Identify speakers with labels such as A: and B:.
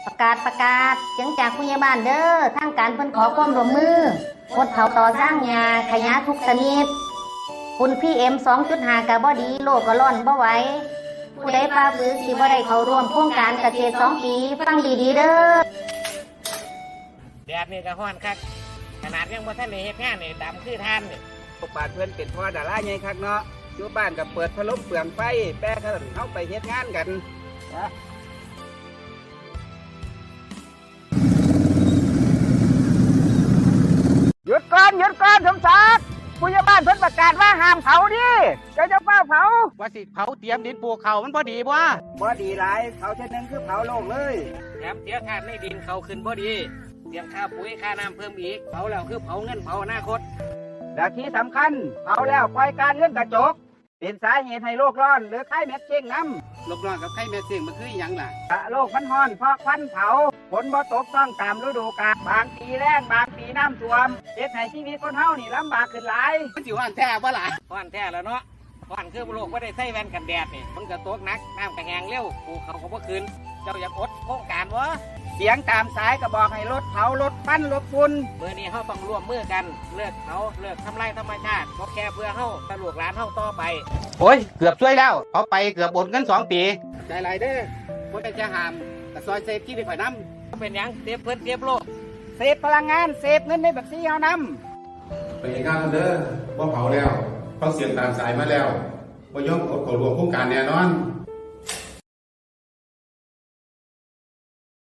A: ประกาศเสียงจากผู้ใหญ่บ้านเด้อทางการเพิ่นขอความร่วมมืองดเผาต่อสร้างหญ้าขยะทุกชนิดฝุ่น PM 2.5ก็บ่ดีโลกก็ร้อนบ่ไหวผู้ใดฝ่าฝืนสิบ่ได้เข้าร่วมโครงการเกษตร2 ปีฟังดีๆเด้อ
B: แดดนี่ก็ร้อนคักขนาดยังบ่ทันได้เฮ็ดงานนี่ดำคือท่านนี่
C: พวกบาดเพื่อนเป็นพ่อดาราใหญ่คักเนาะอยู่บ้านกับเปิดพัดลมเปลืองไฟแป้เขาเอาไปเฮ็ดงานกันนะหยุดก่อนสมศักดิ์ผู้ใหญ่บ้านเพิ่นประกาศว่าห้ามเผาดิเจ้าเฝ้าเผา
B: ว่าสิเผาเตรียมดินปลูกเขามันพอดีบ่
C: ดีหลายเผาเช่นนึงคือเผาโลกเลย
B: แถมเสียธาตุในดินเขาขึ้นบ่ดีเสียค่าปุ๋ยค่าน้ำเพิ่มอีกเผาแล้วคือเผาเงินเผาอนาคต
C: และที่สำคัญเผาแล้วปล่อยการเงินกระจกเป็นสาเหตุให้โลกร้อนหรือไข้เม็ดเจ้งน้ำ
B: โลกร้อนกับไข้เม็ดเจ้งมันคือหยังล่ะ
C: โลกมันร้อนเพราะควันเผาฝนบ่ตกต้องตามฤดูกาลบางปีแล้งบางปีน้ำท่วมเฮ็ดให้ชีวิตคนเฮานี่ลำบากขึ้นหลาย
B: มันสิร้อนแท้บ่ล่ะร้อนแท้แล้วเนาะร้อนคือโลกบ่ได้ใส่แว่นกันแดดนี่มันก็ตกหนักน้ำก็แห้งเร็วปลูกเขาก็บ่ขึ้นเจ้าอยากอดโครงการบ่
C: เสียงตามสายก็บอกให้ลดเผาลดควันลดฝุ่น
B: มื้อนี้เฮาต้องร่วมมือกันเลิกเผาเลิกทำลายธรรมชาติบ่แค่เพื่อเฮาแต่ลูกหลานเฮาต่อไป
D: โอ้ยเกือบช่วยแล้วเขาไปเกือบอดเงิน2 ปี
B: ใจหลายเด้อบ่ได้จะห้ามแต่ซอยเซฟที่ได้ข่อยนำเป็นหยังเซฟเพิ่นเซฟโลก
C: เซฟพลังงานเซฟเงินในบัญชีเฮาน
E: ำไปงานเด้อบ่เผาแล้วเขาเสียงตามสายมาแล้วบ่ยอมกดเข้าร่วมโครงการแน่นอน